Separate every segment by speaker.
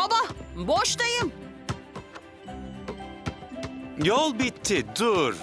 Speaker 1: Baba, boştayım.
Speaker 2: Yol bitti, dur.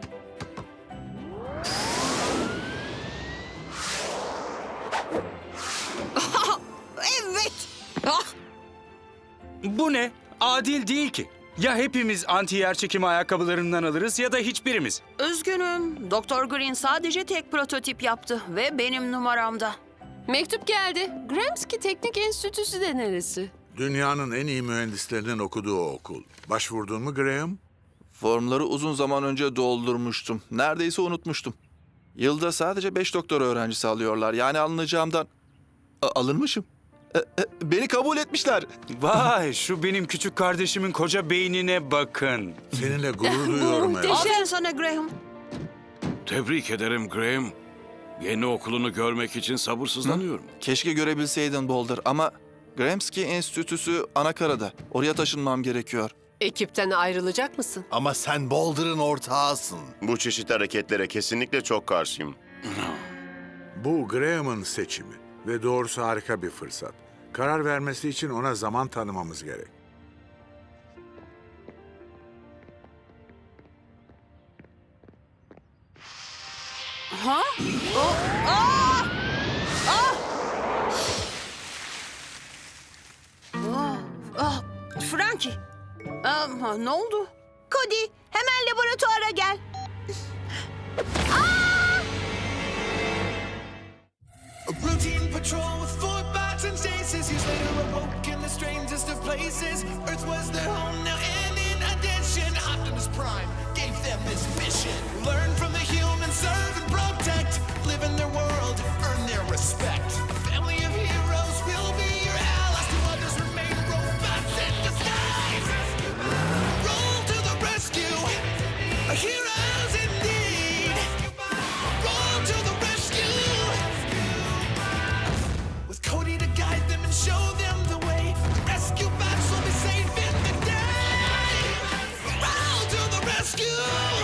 Speaker 1: Evet. Ah,
Speaker 2: Bu ne? Adil değil ki. Ya hepimiz anti yer çekimi ayakkabılarından alırız ya da hiçbirimiz.
Speaker 1: üzgünüm. Doktor Green sadece tek prototip yaptı ve benim numaramda.
Speaker 3: Mektup geldi. Gramsci Teknik Enstitüsü de neresi?
Speaker 4: Dünyanın en iyi mühendislerinin okuduğu okul. Başvurdun mu Graham?
Speaker 5: Formları uzun zaman önce doldurmuştum. Neredeyse unutmuştum. Yılda sadece 5 doktor öğrencisi alıyorlar. Yani alınacağımdan... alınmışım. Beni kabul etmişler.
Speaker 2: Vay, şu benim küçük kardeşimin koca beynine bakın.
Speaker 4: Seninle gurur duyuyorum evlat.
Speaker 1: Aferin sana Graham.
Speaker 6: Tebrik ederim Graham. Yeni okulunu görmek için sabırsızlanıyorum.
Speaker 5: Keşke görebilseydin Boulder ama... Gramsci Enstitüsü Anakara'da. Oraya taşınmam gerekiyor.
Speaker 3: Ekipten ayrılacak mısın?
Speaker 7: Ama sen Boulder'ın ortağısın.
Speaker 8: Bu çeşit hareketlere kesinlikle çok karşıyım.
Speaker 4: Bu Graham'ın seçimi ve doğrusu harika bir fırsat. Karar vermesi için ona zaman tanımamız gerek.
Speaker 1: Ha? Aa! Frankie. Ne oldu?
Speaker 9: Cody, hemen laboratuvara gel.
Speaker 10: A routine patrol with 4 bots and stasis. Years later awoke in the strangest of places. Earth was their home now, and in addition, Optimus Prime gave them this mission: learn from the humans, serve and protect, live in their world, earn their respect. A family of heroes will be your allies. To others remain robots in disguise. Roll to the rescue, heroes indeed. Roll to the rescue. With Cody to guide them and show them the way, rescue bots will be saving the day. Roll to the rescue!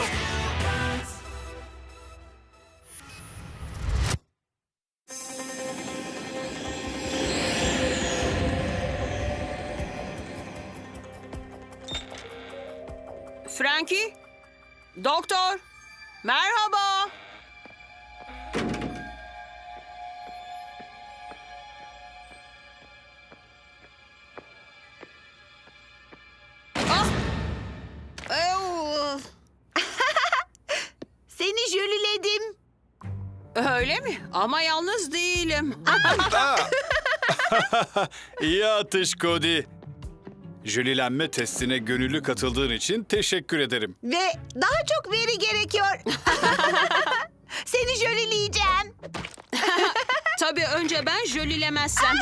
Speaker 1: Frankie? Doktor? Merhaba. Ah! Ew!
Speaker 9: Seni jöliledim.
Speaker 1: Öyle mi? Ama yalnız değilim.
Speaker 11: İyi atış Cody. Jölilenme testine gönüllü katıldığın için teşekkür ederim.
Speaker 9: Ve daha çok veri gerekiyor. Seni jölileyeceğim.
Speaker 1: Tabii önce ben jölilemezsem.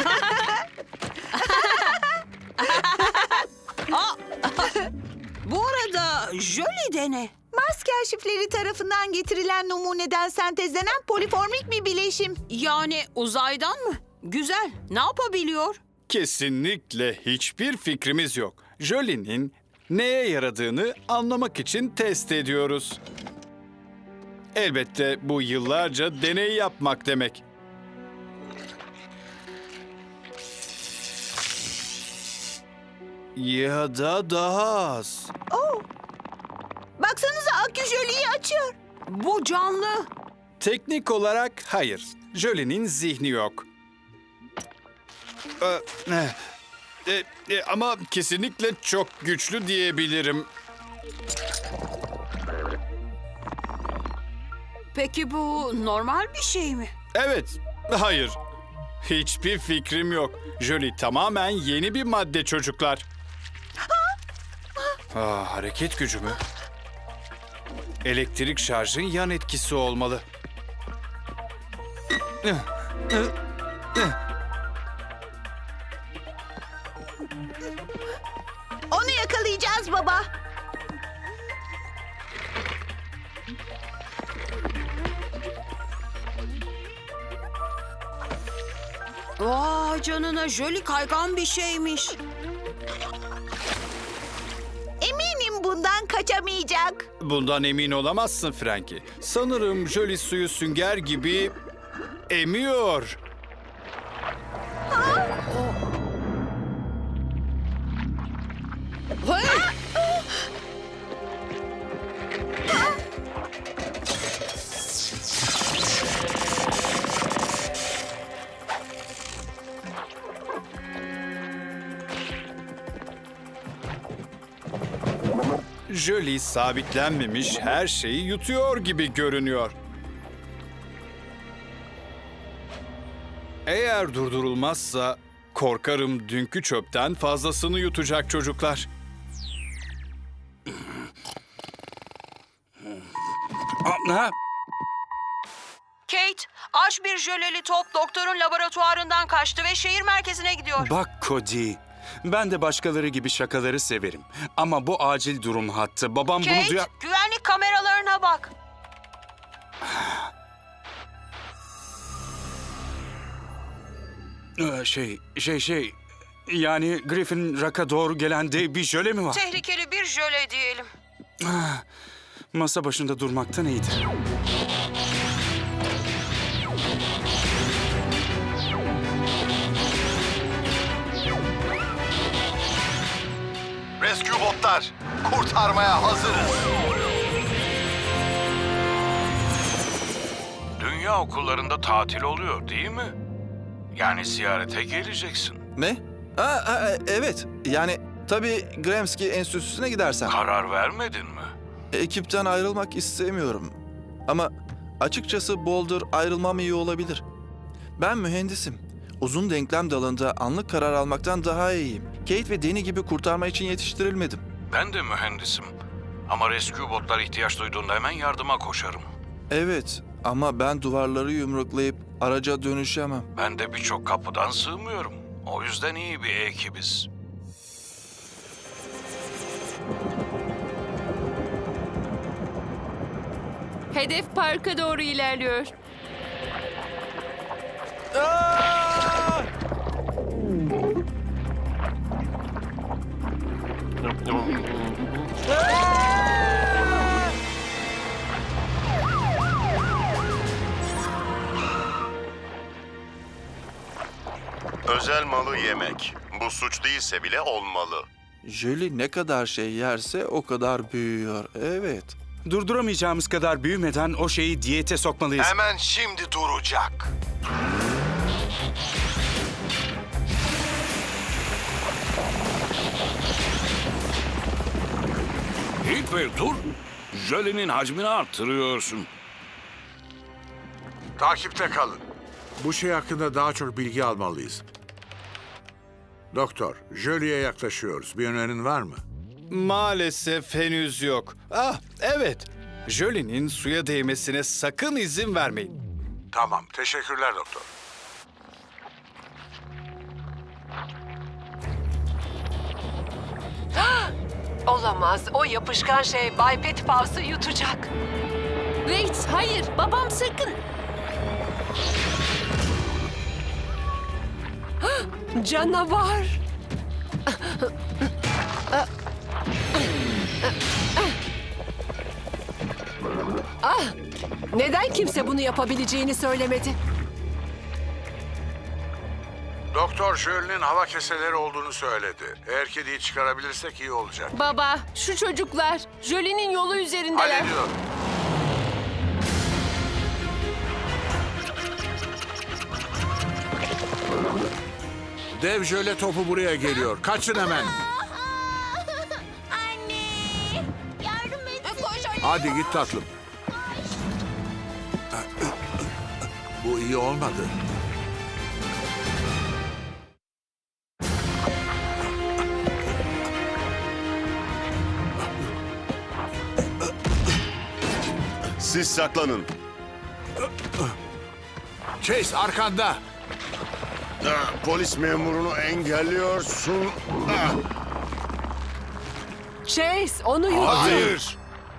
Speaker 1: Aa! Bu arada jöli de ne?
Speaker 9: Mars kaşifleri tarafından getirilen numuneden sentezlenen poliformik bir bileşim.
Speaker 1: Yani uzaydan mı? Güzel. Ne yapabiliyor?
Speaker 11: Kesinlikle hiçbir fikrimiz yok. Jolie'nin neye yaradığını anlamak için test ediyoruz. Elbette bu yıllarca deney yapmak demek. Ya da daha az.
Speaker 9: Baksanıza akü jöliyi açıyor.
Speaker 1: Bu canlı.
Speaker 11: Teknik olarak hayır. Jolie'nin zihni yok. Ama kesinlikle çok güçlü diyebilirim.
Speaker 1: Peki bu normal bir şey mi?
Speaker 11: Evet, hayır. Hiçbir fikrim yok. Jolie tamamen yeni bir madde çocuklar. Hareket gücü mü? Elektrik şarjın yan etkisi olmalı.
Speaker 9: Onu yakalayacağız baba.
Speaker 1: Vay canına, jöli kaygan bir şeymiş.
Speaker 9: Eminim bundan kaçamayacak.
Speaker 11: Bundan emin olamazsın Frankie. Sanırım Jolie suyu sünger gibi emiyor. Jolie sabitlenmemiş her şeyi yutuyor gibi görünüyor. Eğer durdurulmazsa korkarım dünkü çöpten fazlasını yutacak çocuklar.
Speaker 2: Ha?
Speaker 1: Kate, aç bir jöleli top doktorun laboratuvarından kaçtı ve şehir merkezine gidiyor.
Speaker 2: Bak Cody, ben de başkaları gibi şakaları severim. Ama bu acil durum hattı. Babam bunu
Speaker 1: Kate,
Speaker 2: duyar...
Speaker 1: güvenlik kameralarına bak.
Speaker 2: Yani Griffin Rock'a doğru gelen dev bir jöle mi var?
Speaker 1: Tehlikeli bir jöle diyelim.
Speaker 2: Masa başında durmaktan iyidir.
Speaker 7: Rescue botlar, kurtarmaya hazırız.
Speaker 6: Dünya okullarında tatil oluyor değil mi? Yani ziyarete geleceksin.
Speaker 5: Ne? Evet. Yani tabii Gramsci Enstitüsü'ne gidersen.
Speaker 6: Karar vermedin mi?
Speaker 5: Ekipten ayrılmak istemiyorum. Ama açıkçası Boulder ayrılmam iyi olabilir. Ben mühendisim. Uzun denklem dalında anlık karar almaktan daha iyiyim. Kate ve Danny gibi kurtarma için yetiştirilmedim.
Speaker 6: Ben de mühendisim. Ama rescue botlar ihtiyaç duyduğunda hemen yardıma koşarım.
Speaker 5: Evet ama ben duvarları yumruklayıp araca dönüşemem.
Speaker 6: Ben de birçok kapıdan sığmıyorum. O yüzden iyi bir ekibiz.
Speaker 3: Hedef parka doğru ilerliyor.
Speaker 8: Özel malı yemek. Bu suç değilse bile olmalı.
Speaker 5: Jolie ne kadar şey yerse o kadar büyüyor. Evet.
Speaker 2: Durduramayacağımız kadar büyümeden o şeyi diyete sokmalıyız.
Speaker 7: Hemen şimdi duracak.
Speaker 6: Hilper dur. Jölenin hacmini arttırıyorsun.
Speaker 4: Takipte kalın. Bu şey hakkında daha çok bilgi almalıyız. Doktor, Jolie'ye yaklaşıyoruz. Bir önerin var mı?
Speaker 11: Maalesef henüz yok. Evet. Jolie'nin suya değmesine sakın izin vermeyin.
Speaker 4: Tamam, teşekkürler doktor.
Speaker 3: Olamaz. O yapışkan şey Bay Petipavs'ı yutacak. Wait, hayır. Babam sakın. Canavar. Neden kimse bunu yapabileceğini söylemedi?
Speaker 4: Doktor Jolie'nin hava keseleri olduğunu söyledi. Eğer kediyi çıkarabilirsek iyi olacak.
Speaker 3: Baba, şu çocuklar Jolie'nin yolu üzerindeler.
Speaker 4: Hallediyorum. Dev jöle topu buraya geliyor. Kaçın hemen.
Speaker 9: Anne! Yardım et. Koş anne.
Speaker 4: Hadi git tatlım. Bu iyi olmadı.
Speaker 8: Siz saklanın.
Speaker 4: Chase arkanda.
Speaker 8: Polis memurunu engelliyorsun.
Speaker 3: Chase, onu yuttu.
Speaker 4: Hayır.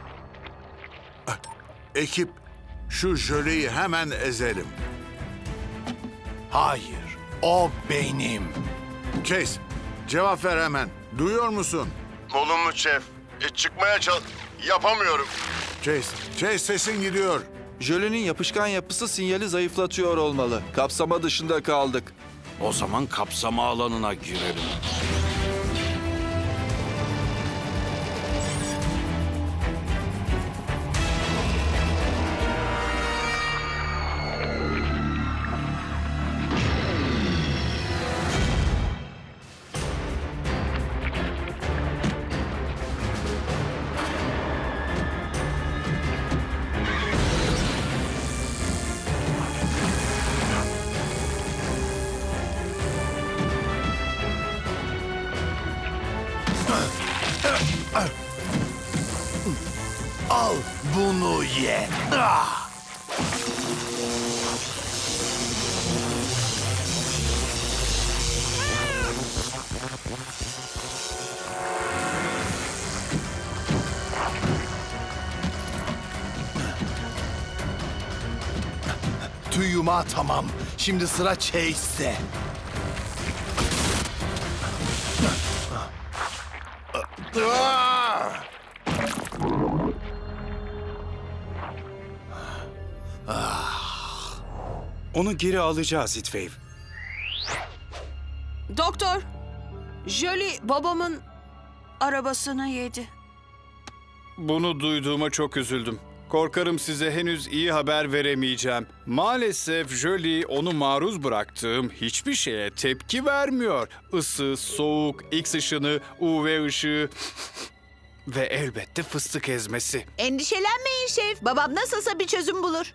Speaker 4: Ekip, şu jöleyi hemen ezelim.
Speaker 7: Hayır, o benim.
Speaker 4: Chase, cevap ver hemen. Duyuyor musun?
Speaker 8: Olumlu şef. Çıkmaya yapamıyorum.
Speaker 4: Chase sesin gidiyor.
Speaker 5: Jolie'nin yapışkan yapısı sinyali zayıflatıyor olmalı. Kapsama dışında kaldık.
Speaker 6: O zaman kapsama alanına girelim.
Speaker 7: ye. Ah! Tüyuma tamam. Şimdi sıra Chase'de.
Speaker 2: Onu geri alacağız Heatwave.
Speaker 1: Doktor, Jolie babamın arabasını yedi.
Speaker 11: Bunu duyduğuma çok üzüldüm. Korkarım size henüz iyi haber veremeyeceğim. Maalesef Jolie onu maruz bıraktığım hiçbir şeye tepki vermiyor. Isı, soğuk, X ışını, UV ışığı ve elbette fıstık ezmesi.
Speaker 9: Endişelenmeyin şef. Babam nasılsa bir çözüm bulur.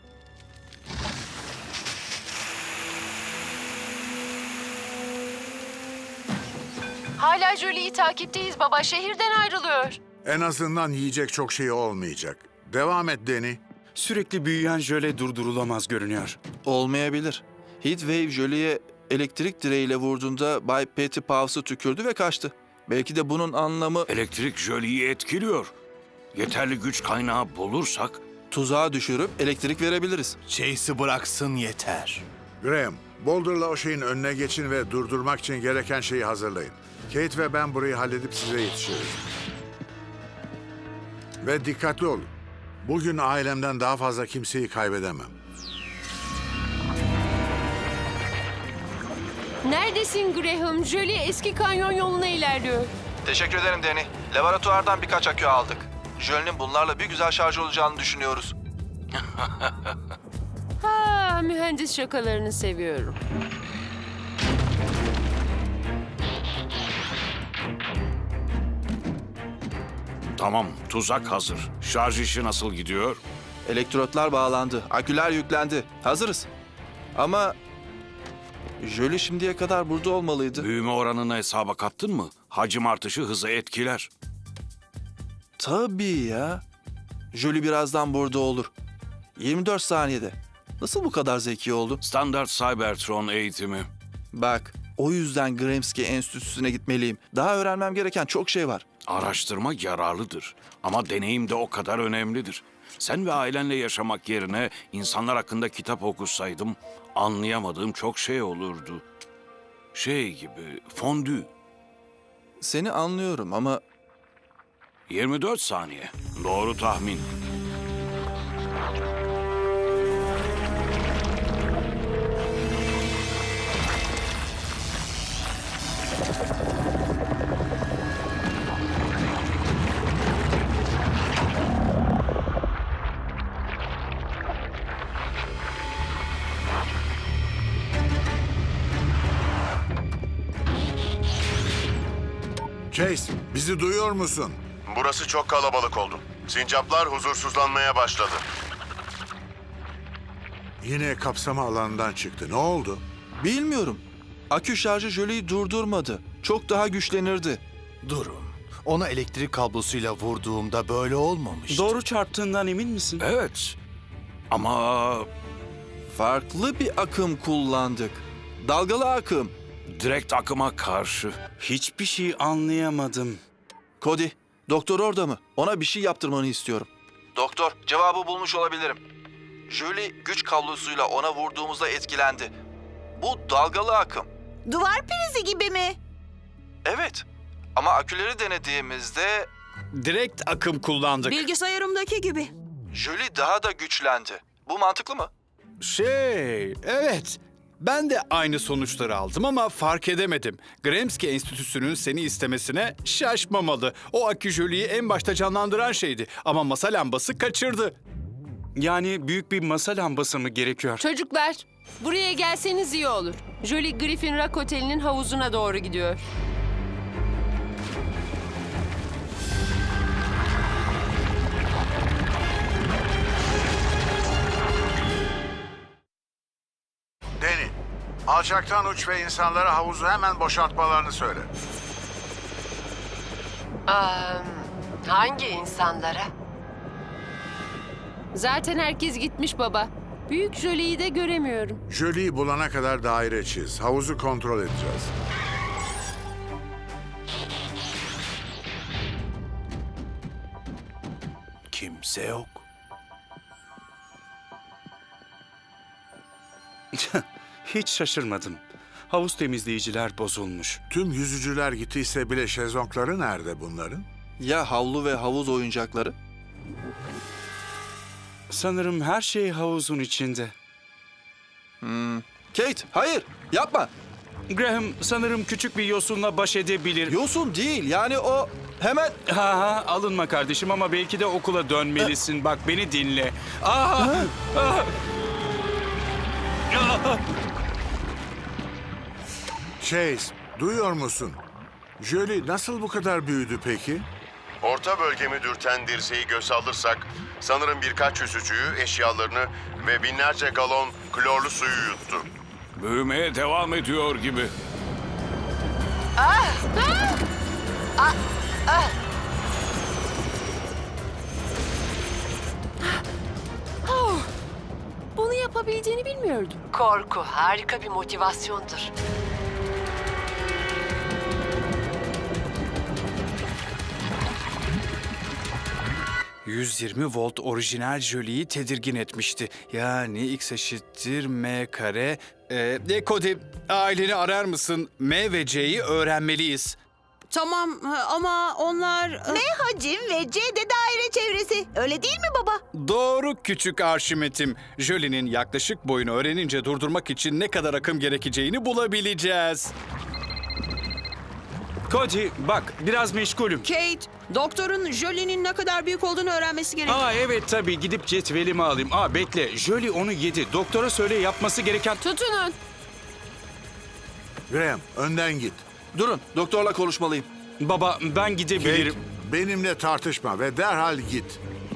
Speaker 3: Hala Jolie'yi takipteyiz baba. Şehirden ayrılıyor.
Speaker 4: En azından yiyecek çok şey olmayacak. Devam et Danny.
Speaker 2: Sürekli büyüyen jöle durdurulamaz görünüyor.
Speaker 5: Olmayabilir. Heatwave Jolie'ye elektrik direğiyle vurduğunda Bay Petty Pavs'ı tükürdü ve kaçtı. Belki de bunun anlamı
Speaker 6: Elektrik Jolie'yi etkiliyor. Yeterli güç kaynağı bulursak
Speaker 5: tuzağa düşürüp elektrik verebiliriz.
Speaker 7: Chase'i bıraksın yeter.
Speaker 4: Graham, Boulder'la o şeyin önüne geçin ve durdurmak için gereken şeyi hazırlayın. Kate ve ben burayı halledip size yetişiriz. Ve dikkatli olun. Bugün ailemden daha fazla kimseyi kaybedemem.
Speaker 3: Neredesin Graham? Jolie eski kanyon yoluna ilerliyor.
Speaker 5: Teşekkür ederim Danny. Laboratuvardan birkaç akü aldık. Jölie'nin bunlarla bir güzel şarj olacağını düşünüyoruz.
Speaker 3: Ha, mühendis şakalarını seviyorum.
Speaker 6: tamam, tuzak hazır. Şarj işi nasıl gidiyor?
Speaker 5: Elektrotlar bağlandı, aküler yüklendi. Hazırız. Ama Jolie şimdiye kadar burada olmalıydı.
Speaker 6: Büyüme oranını hesaba kattın mı? Hacim artışı hızı etkiler.
Speaker 5: Tabii ya. Jolie birazdan burada olur. 24 saniyede. Nasıl bu kadar zeki oldu?
Speaker 6: Standart Cybertron eğitimi.
Speaker 5: Bak, o yüzden Gramsci Enstitüsü'ne gitmeliyim. Daha öğrenmem gereken çok şey var.
Speaker 6: Araştırma yararlıdır. Ama deneyim de o kadar önemlidir. Sen ve ailenle yaşamak yerine insanlar hakkında kitap okusaydım anlayamadığım çok şey olurdu. Şey gibi, fondü.
Speaker 5: Seni anlıyorum ama
Speaker 6: 24 saniye. Doğru tahmin.
Speaker 4: Chase, bizi duyuyor musun?
Speaker 8: Burası çok kalabalık oldu. Sincaplar huzursuzlanmaya başladı.
Speaker 4: Yine kapsama alanından çıktı. Ne oldu?
Speaker 5: bilmiyorum. Akü şarjı Jolie'yi durdurmadı. Çok daha güçlenirdi.
Speaker 7: Durun. Ona elektrik kablosuyla vurduğumda böyle olmamıştı.
Speaker 2: Doğru çarptığından emin misin?
Speaker 6: Evet. Ama
Speaker 5: Farklı bir akım kullandık. Dalgalı akım.
Speaker 6: direkt akıma karşı.
Speaker 2: Hiçbir şey anlayamadım.
Speaker 5: Cody, doktor orada mı? Ona bir şey yaptırmanı istiyorum. Doktor, cevabı bulmuş olabilirim. Jolie güç kablosuyla ona vurduğumuzda etkilendi. Bu dalgalı akım.
Speaker 9: Duvar prizi gibi mi?
Speaker 5: Evet. Ama aküleri denediğimizde
Speaker 11: Direkt akım kullandık.
Speaker 1: Bilgisayarımdaki gibi.
Speaker 5: Jolie daha da güçlendi. Bu mantıklı mı?
Speaker 11: Evet. Ben de aynı sonuçları aldım ama fark edemedim. Gramsci Enstitüsü'nün seni istemesine şaşmamalı. O akü Jolie'yi en başta canlandıran şeydi ama masa lambası kaçırdı.
Speaker 2: Yani büyük bir masa lambası mı gerekiyor?
Speaker 3: Çocuklar, buraya gelseniz iyi olur. Jolie Griffin Rock Oteli'nin havuzuna doğru gidiyor.
Speaker 4: Danny, alçaktan uç ve insanlara havuzu hemen boşaltmalarını söyle.
Speaker 3: Hangi insanlara? Zaten herkes gitmiş baba. Büyük Jolie'yi de göremiyorum.
Speaker 4: Jolie'yi bulana kadar daire çiz. Havuzu kontrol edeceğiz.
Speaker 7: Kimse yok.
Speaker 2: Hiç şaşırmadım. Havuz temizleyiciler bozulmuş.
Speaker 4: Tüm yüzücüler gittiyse bile şezlongları nerede bunların?
Speaker 5: Ya havlu ve havuz oyuncakları?
Speaker 2: Sanırım her şey havuzun içinde.
Speaker 5: Kate, hayır, yapma.
Speaker 2: Graham sanırım küçük bir yosunla baş edebilir.
Speaker 5: Yosun değil, yani o hemen...
Speaker 2: Ha, alınma kardeşim ama belki de okula dönmelisin. Bak beni dinle. Aha! Ah! Ah!
Speaker 4: Chase, duyuyor musun? Jolie nasıl bu kadar büyüdü peki?
Speaker 8: Orta bölgemi dürten dirseği göz alırsak sanırım birkaç yüzücüyü, eşyalarını ve binlerce galon klorlu suyu yuttu.
Speaker 6: Büyümeye devam ediyor gibi.
Speaker 3: Bunu yapabileceğini bilmiyordum.
Speaker 12: Korku harika bir motivasyondur.
Speaker 11: ...120 volt orijinal Jolie'yi tedirgin etmişti. Yani X eşittir M kare. Cody, aileni arar mısın? M ve C'yi öğrenmeliyiz.
Speaker 1: Tamam ama onlar...
Speaker 9: M hacim ve C de daire çevresi. Öyle değil mi baba?
Speaker 11: Doğru küçük Arşimet'im. Jolie'nin yaklaşık boyunu öğrenince durdurmak için ne kadar akım gerekeceğini bulabileceğiz.
Speaker 2: Cody bak biraz meşgulüm.
Speaker 1: Kate, doktorun Jolie'nin ne kadar büyük olduğunu öğrenmesi gerek.
Speaker 2: Aa evet tabii gidip cetvelimi alayım. Aa bekle Jolie onu yedi. Doktora söyle yapması gereken...
Speaker 3: Tutunun.
Speaker 4: Graham, önden git.
Speaker 5: Durun, doktorla konuşmalıyım.
Speaker 2: Baba ben gidebilirim.
Speaker 4: Kate, benimle tartışma ve derhal git.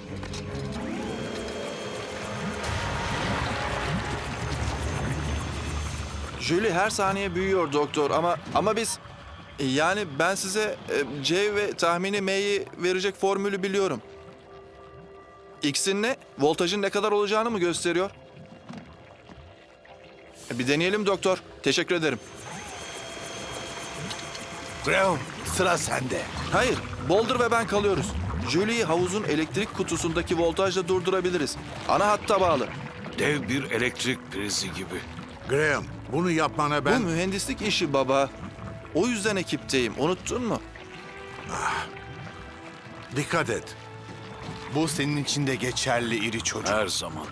Speaker 5: Jolie her saniye büyüyor doktor ama biz... Yani ben size C ve tahmini M'yi verecek formülü biliyorum. X'in ne? Voltajın ne kadar olacağını mı gösteriyor? Bir deneyelim doktor. Teşekkür ederim.
Speaker 7: Graham, sıra sende.
Speaker 5: Hayır, Boulder ve ben kalıyoruz. Jolie'yi havuzun elektrik kutusundaki voltajla durdurabiliriz. Ana hatta bağlı.
Speaker 6: Dev bir elektrik prizi gibi.
Speaker 4: Graham, bunu yapmana
Speaker 5: Bu
Speaker 4: ben...
Speaker 5: mühendislik işi baba. O yüzden ekipteyim. Unuttun mu?
Speaker 4: Dikkat et.
Speaker 7: Bu senin için de geçerli iri çocuk.
Speaker 6: Her zaman.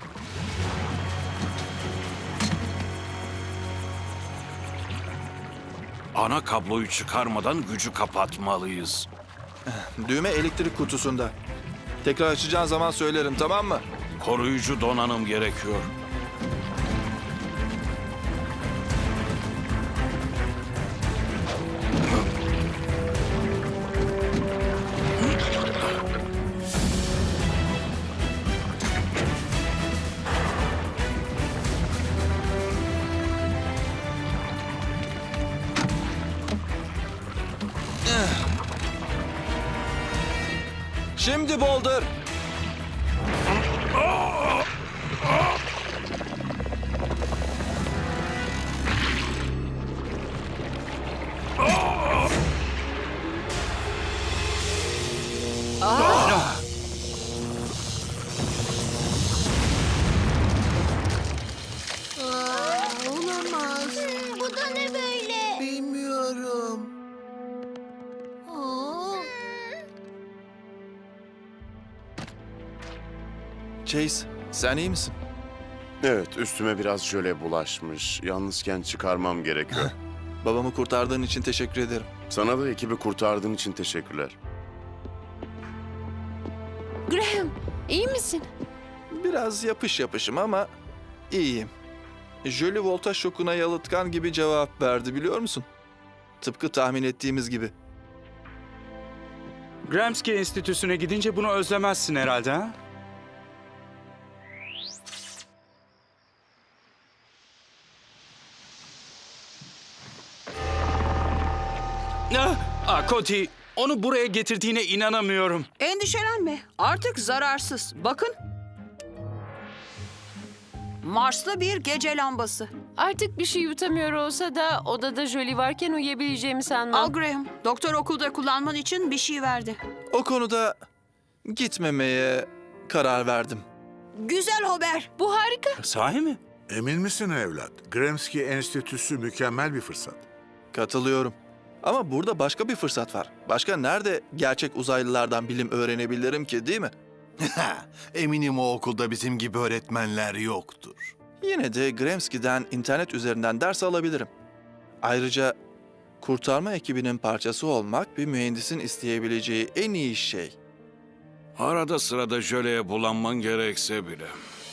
Speaker 6: Ana kabloyu çıkarmadan gücü kapatmalıyız.
Speaker 5: Düğme elektrik kutusunda. Tekrar açacağın zaman söylerim, tamam mı?
Speaker 6: Koruyucu donanım gerekiyor.
Speaker 5: Şimdi Boulder.
Speaker 9: Olamaz. Bu da ne böyle?
Speaker 7: Bilmiyorum.
Speaker 5: Chase, sen iyi misin?
Speaker 8: Evet, üstüme biraz jöle bulaşmış. Yalnızken çıkarmam gerekiyor.
Speaker 5: Babamı kurtardığın için teşekkür ederim.
Speaker 8: Sana da ekibi kurtardığın için teşekkürler.
Speaker 3: Graham, iyi misin?
Speaker 5: Biraz yapışım ama iyiyim. Jolie voltaj şokuna yalıtkan gibi cevap verdi, biliyor musun? Tıpkı tahmin ettiğimiz gibi.
Speaker 2: Gramsci Enstitüsü'ne gidince bunu özlemezsin herhalde ha? Cody, onu buraya getirdiğine inanamıyorum.
Speaker 1: Endişelenme. Artık zararsız. Bakın. Marslı bir gece lambası.
Speaker 3: Artık bir şey yutamıyor olsa da odada Jolie varken uyuyabileceğimi sanmam.
Speaker 1: Al Graham, doktor okulda kullanman için bir şey verdi.
Speaker 5: O konuda gitmemeye karar verdim.
Speaker 1: Güzel haber.
Speaker 3: Bu harika.
Speaker 2: Sahi mi?
Speaker 4: Emin misin evlat? Gramsci Enstitüsü mükemmel bir fırsat.
Speaker 5: Katılıyorum. Ama burada başka bir fırsat var. Başka nerede gerçek uzaylılardan bilim öğrenebilirim ki, değil mi?
Speaker 7: Eminim o okulda bizim gibi öğretmenler yoktur.
Speaker 5: Yine de Gramsci'den internet üzerinden ders alabilirim. Ayrıca kurtarma ekibinin parçası olmak bir mühendisin isteyebileceği en iyi şey.
Speaker 6: Arada sırada jöleye bulanman gerekse bile.